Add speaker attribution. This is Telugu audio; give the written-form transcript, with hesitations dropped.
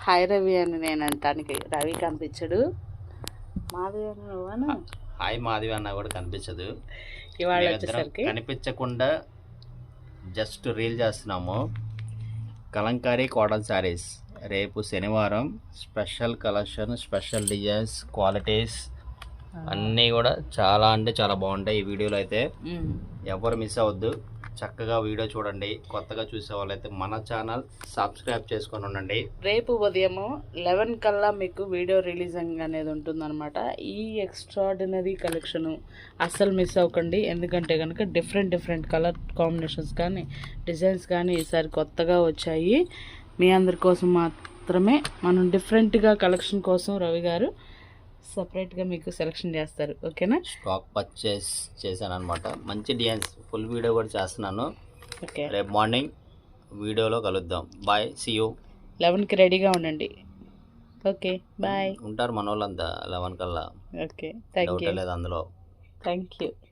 Speaker 1: హాయ్ రవి అని నేను అంటానికి రవి కనిపించడు. మాధవి అని నువ్వను
Speaker 2: హాయ్ మాధవి అన్న కూడా కనిపించదు.
Speaker 1: ఇవాళ వచ్చేసరికి
Speaker 2: కనిపించకుండా జస్ట్ రీల్ చేస్తున్నాము. కలంకారీ కాటన్ శారీస్ రేపు శనివారం special collection, special designs, qualities అన్నీ కూడా చాలా అంటే చాలా బాగుంటాయి. ఈ వీడియోలో అయితే ఎవరు మిస్ అవ్వద్దు. చక్కగా వీడియో చూడండి. కొత్తగా చూసే వాళ్ళైతే మన ఛానల్ సబ్స్క్రైబ్ చేసుకొని ఉండండి.
Speaker 1: రేపు ఉదయం 11 కల్లా మీకు వీడియో రిలీజింగ్ అనేది ఉంటుందన్నమాట. ఈ ఎక్స్ట్రాడినరీ కలెక్షన్ అస్సలు మిస్ అవ్వకండి. ఎందుకంటే కనుక డిఫరెంట్ కలర్ కాంబినేషన్స్ కానీ డిజైన్స్ కానీ ఈసారి కొత్తగా వచ్చాయి. మీ అందరి కోసం మాత్రమే మనం డిఫరెంట్గా కలెక్షన్ కోసం రవి గారు సపరేట్గా మీకు సెలెక్షన్ చేస్తారు. ఓకేనా?
Speaker 2: స్టాక్ పర్చేస్ చేశాను అనమాట. మంచి డిజైన్స్ ఫుల్ వీడియో కూడా చేస్తున్నాను.
Speaker 1: ఓకే,
Speaker 2: రేపు మార్నింగ్ వీడియోలో కలుద్దాం. Bye, see you.
Speaker 1: 11కి రెడీగా ఉండండి. Okay, bye.
Speaker 2: ఉంటారు మన వాళ్ళంతా 11 కల్లా.
Speaker 1: Okay, thank you.
Speaker 2: లేదు అందులో.
Speaker 1: Thank you.